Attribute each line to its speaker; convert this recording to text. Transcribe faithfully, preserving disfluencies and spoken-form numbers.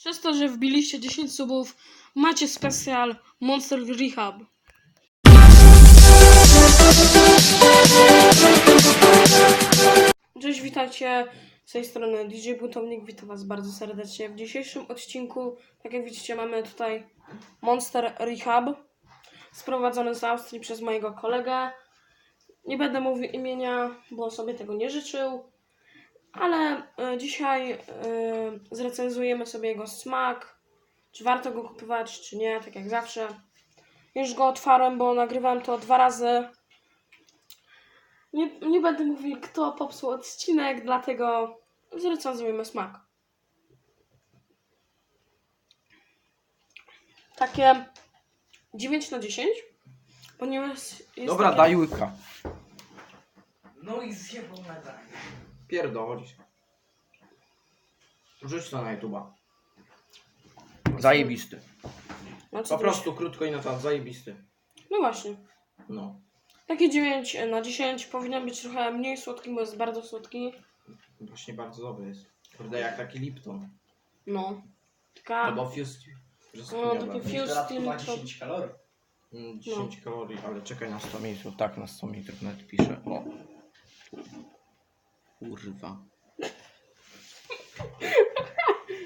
Speaker 1: Przez to, że wbiliście dziesięć subów, macie specjal Monster Rehab. Cześć, witajcie. Z tej strony D J Buntownik, witam was bardzo serdecznie. W dzisiejszym odcinku, tak jak widzicie, mamy tutaj Monster Rehab, sprowadzony z Austrii przez mojego kolegę. Nie będę mówił imienia, bo sobie tego nie życzył, ale y, dzisiaj y, zrecenzujemy sobie jego smak, czy warto go kupować, czy nie, tak jak zawsze. Już go otwarłem, bo nagrywałem to dwa razy. Nie, nie będę mówił, kto popsuł odcinek, dlatego zrecenzujemy smak. Takie dziewięć na dziesięć, ponieważ jest
Speaker 2: Dobra,
Speaker 1: takie...
Speaker 2: daj łyka.
Speaker 3: No i zjebał nadanie.
Speaker 2: Pierdolisz. Rzuć to na YouTube'a. Zajebisty.
Speaker 1: No, co
Speaker 2: Po
Speaker 1: ty
Speaker 2: prostu krótko i na temat, zajebisty.
Speaker 1: myślisz? No właśnie.
Speaker 2: No.
Speaker 1: Takie dziewięć na dziesięć, powinien być trochę mniej słodki, bo jest bardzo słodki.
Speaker 2: Właśnie bardzo dobry jest. Kurde, jak taki Lipton.
Speaker 1: No. Taka...
Speaker 2: Albo Fuse.
Speaker 1: No,
Speaker 2: Brzoskwiniowe.
Speaker 1: takie
Speaker 3: Fuse
Speaker 1: Fuse
Speaker 3: dodatku ma
Speaker 1: to-
Speaker 3: dziesięć kalorii.
Speaker 2: Mm, dziesięć kalorii, ale czekaj na sto mililitrów. Tak, na sto mililitrów nawet pisze. O. Kurwa.